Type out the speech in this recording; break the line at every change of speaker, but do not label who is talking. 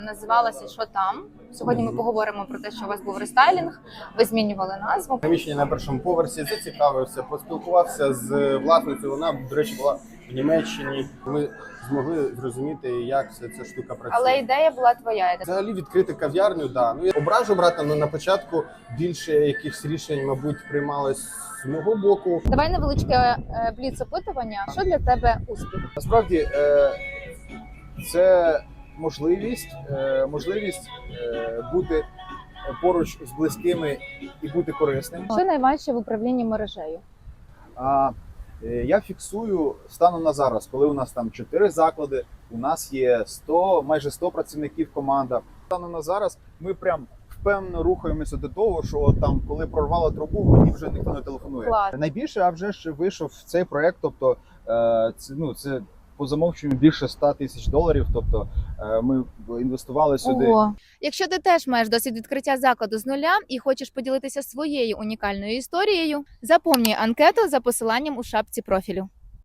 Називалася «Що там?». Сьогодні ми поговоримо про те, що у вас був рестайлінг, ви змінювали назву.
Приміщення на першому поверсі, зацікавився, поспілкувався з власницею. Вона, до речі, була в Німеччині. Ми змогли зрозуміти, як вся ця штука працює.
Але ідея була твоя.
Взагалі відкрити кав'ярню, да. Ну, я ображу брата, але на початку більше якихось рішень, мабуть, приймалось з мого боку.
Давай невеличке бліц-опитування. Що для тебе успіх?
Насправді це можливість бути поруч з близькими і бути корисним.
Що найважче в управлінні мережею?
Я фіксую станом на зараз, коли у нас там 4 заклади, у нас є майже 100 працівників команда. Станом на зараз ми прям впевнено рухаємося до того, що там, коли прорвало трубу, мені вже ніхто не телефонує.
Клас.
Найбільше, а вже ж вийшов цей проект, тобто це по замовченню більше $100 тисяч, тобто ми інвестували сюди.
Ого. Якщо ти теж маєш досвід відкриття закладу з нуля і хочеш поділитися своєю унікальною історією, заповнюй анкету за посиланням у шапці профілю.